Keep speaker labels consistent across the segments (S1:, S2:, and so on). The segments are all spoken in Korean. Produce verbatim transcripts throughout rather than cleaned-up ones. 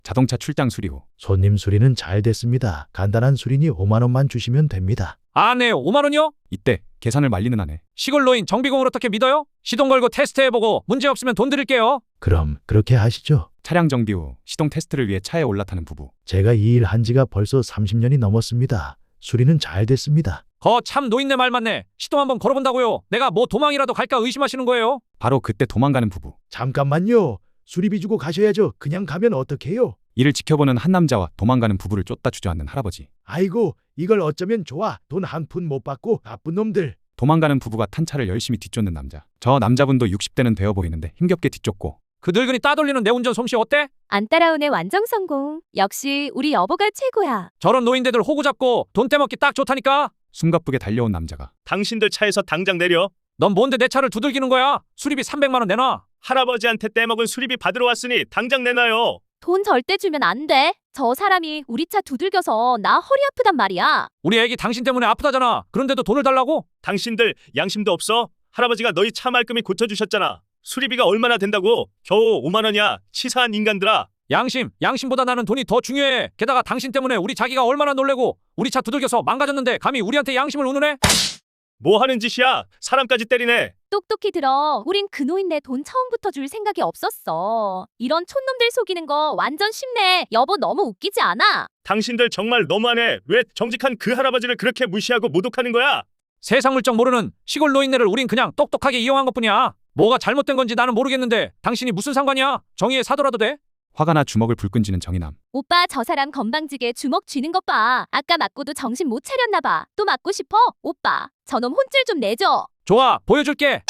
S1: 자동차 출장 수리 후
S2: 손님 수리는 잘 됐습니다. 간단한 수리니 오만 원만 주시면 됩니다.
S3: 아, 네, 오만 원이요?
S1: 이때 계산을 말리는 아내.
S3: 시골 노인 정비공을 어떻게 믿어요? 시동 걸고 테스트해보고 문제 없으면 돈 드릴게요.
S2: 그럼 그렇게 하시죠.
S1: 차량 정비 후 시동 테스트를 위해 차에 올라타는 부부.
S2: 제가 이 일 한 지가 벌써 삼십 년이 넘었습니다. 수리는 잘 됐습니다.
S3: 거 참 노인네 말 맞네. 시동 한번 걸어본다고요. 내가 뭐 도망이라도 갈까 의심하시는 거예요?
S1: 바로 그때 도망가는 부부.
S2: 잠깐만요. 수리비 주고 가셔야죠. 그냥 가면 어떡해요?
S1: 이를 지켜보는 한 남자와 도망가는 부부를 쫓다 주저앉는 할아버지.
S2: 아이고, 이걸 어쩌면 좋아. 돈 한 푼 못 받고 나쁜 놈들.
S1: 도망가는 부부가 탄 차를 열심히 뒤쫓는 남자. 저 남자분도 육십 대는 되어 보이는데 힘겹게 뒤쫓고.
S3: 그 늙은이 따돌리는 내 운전 솜씨 어때?
S4: 안 따라오네 완전 성공. 역시 우리 여보가 최고야.
S3: 저런 노인네들 호구 잡고 돈 떼먹기 딱 좋다니까.
S1: 숨가쁘게 달려온 남자가.
S5: 당신들 차에서 당장 내려.
S3: 넌 뭔데 내 차를 두들기는 거야? 수리비 삼백만 원 내놔.
S5: 할아버지한테 떼먹은 수리비 받으러 왔으니 당장 내놔요.
S4: 돈 절대 주면 안 돼. 저 사람이 우리 차 두들겨서 나 허리 아프단 말이야.
S3: 우리 애기 당신 때문에 아프다잖아. 그런데도 돈을 달라고?
S5: 당신들 양심도 없어? 할아버지가 너희 차 말끔히 고쳐주셨잖아. 수리비가 얼마나 된다고? 겨우 오만 원이야. 치사한 인간들아.
S3: 양심, 양심보다 나는 돈이 더 중요해. 게다가 당신 때문에 우리 자기가 얼마나 놀래고 우리 차 두들겨서 망가졌는데 감히 우리한테 양심을 운운해?
S5: 뭐 하는 짓이야? 사람까지 때리네.
S4: 똑똑히 들어. 우린 그 노인네 돈 처음부터 줄 생각이 없었어. 이런 촌놈들 속이는 거 완전 쉽네. 여보 너무 웃기지 않아?
S5: 당신들 정말 너무하네. 왜 정직한 그 할아버지를 그렇게 무시하고 모독하는 거야?
S3: 세상 물정 모르는 시골 노인네를 우린 그냥 똑똑하게 이용한 것뿐이야. 뭐가 잘못된 건지 나는 모르겠는데 당신이 무슨 상관이야? 정의에 사더라도 돼?
S1: 화가 나 주먹을 불끈 쥐는 정의남.
S4: 오빠 저 사람 건방지게 주먹 쥐는 것 봐. 아까 맞고도 정신 못 차렸나 봐. 또 맞고 싶어? 오빠 저놈 혼쭐 좀 내줘.
S3: 좋아, 보여줄게.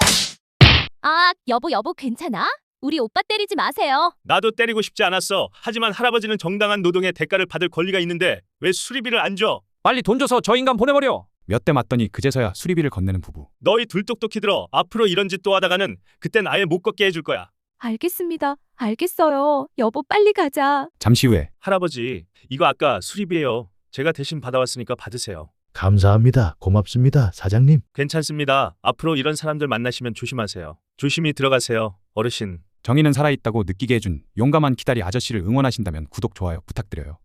S4: 아 여보 여보 괜찮아? 우리 오빠 때리지 마세요.
S5: 나도 때리고 싶지 않았어. 하지만 할아버지는 정당한 노동의 대가를 받을 권리가 있는데 왜 수리비를 안 줘?
S3: 빨리 돈 줘서 저 인간 보내버려.
S1: 몇 대 맞더니 그제서야 수리비를 건네는 부부.
S5: 너희 둘 똑똑히 들어. 앞으로 이런 짓 또 하다가는 그땐 아예 못 걷게 해줄 거야.
S4: 알겠습니다. 알겠어요. 여보 빨리 가자.
S1: 잠시 후에
S5: 할아버지, 이거 아까 수리비예요. 제가 대신 받아왔으니까 받으세요.
S2: 감사합니다. 고맙습니다. 사장님.
S5: 괜찮습니다. 앞으로 이런 사람들 만나시면 조심하세요. 조심히 들어가세요. 어르신.
S1: 정의는 살아있다고 느끼게 해준 용감한 기다리 아저씨를 응원하신다면 구독, 좋아요 부탁드려요.